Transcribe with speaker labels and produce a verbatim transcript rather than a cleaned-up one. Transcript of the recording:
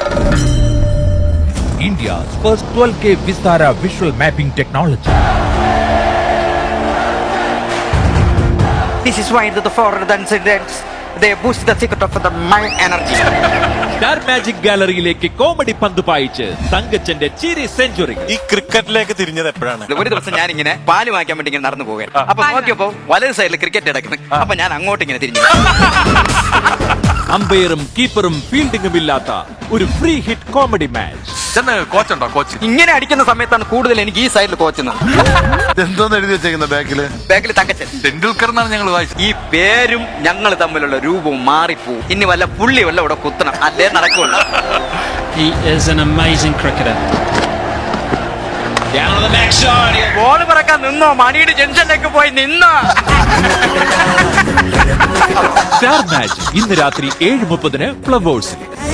Speaker 1: India's first twelve K Vistara visual mapping technology.
Speaker 2: This is why the foreign incidents they boost the secret of the mind energy.
Speaker 1: Star Magic ഗാലറിയിലേക്ക് comedy പന്ത് പായിച്ച് തങ്കച്ചന്റെ ചിരി century.
Speaker 3: ഈ ക്രിക്കറ്റിലേക്ക് തിരിഞ്ഞത് എപ്പോഴാണ്?
Speaker 2: ഒരു ദിവസം ഞാൻ ഇങ്ങനെ പാല് വാങ്ങിക്കാൻ വേണ്ടി ഇങ്ങനെ നടന്നു പോവുകയാണ്. അപ്പൊ നോക്കിയപ്പോ വലത് സൈഡിൽ ക്രിക്കറ്റ് കിടക്കുന്നു. അപ്പൊ ഞാൻ അങ്ങോട്ട് ഇങ്ങനെ തിരിഞ്ഞു.
Speaker 1: അമ്പയറും കീപ്പറും ഫീൽഡിംഗും ഇല്ലാത്ത ഒരു ഫ്രീ ഹിറ്റ് കോമഡി മാച്ച്.
Speaker 4: കോച്ചുണ്ടോ? കോച്ച്
Speaker 2: ഇങ്ങനെ അടിക്കുന്ന സമയത്താണ് കൂടുതൽ എനിക്ക് ഈ സൈഡിൽ കോച്ചുന്നത്.
Speaker 4: എന്തോന്ന് എഴുതി വെച്ചേക്കുന്ന ബാക്കില്?
Speaker 2: ബാക്കിൽ തങ്കച്ചൻ
Speaker 4: ടെണ്ടുൽക്കർ എന്നാണ് ഞങ്ങൾ വായിച്ചത്.
Speaker 2: ഈ പേരും ഞങ്ങൾ തമ്മിലുള്ള രൂപവും മാറിപ്പോവും. ഇനി വല്ല പുള്ളി വല്ല ഇവിടെ കുത്തണം, അല്ലേ നടക്കുള്ളൂ.
Speaker 5: He is an amazing cricketer.
Speaker 1: Down the next shot.
Speaker 2: Ball പറക്കാൻ നിന്നോ, മണിയുടെ ജംഗ്ഷനിലേക്ക് പോയി നിന്നോ.
Speaker 1: സ്റ്റാർ മാച്ച് ഇന്ന് രാത്രി ഏഴ് മുപ്പതിന് ഫ്ലവേഴ്സിൽ.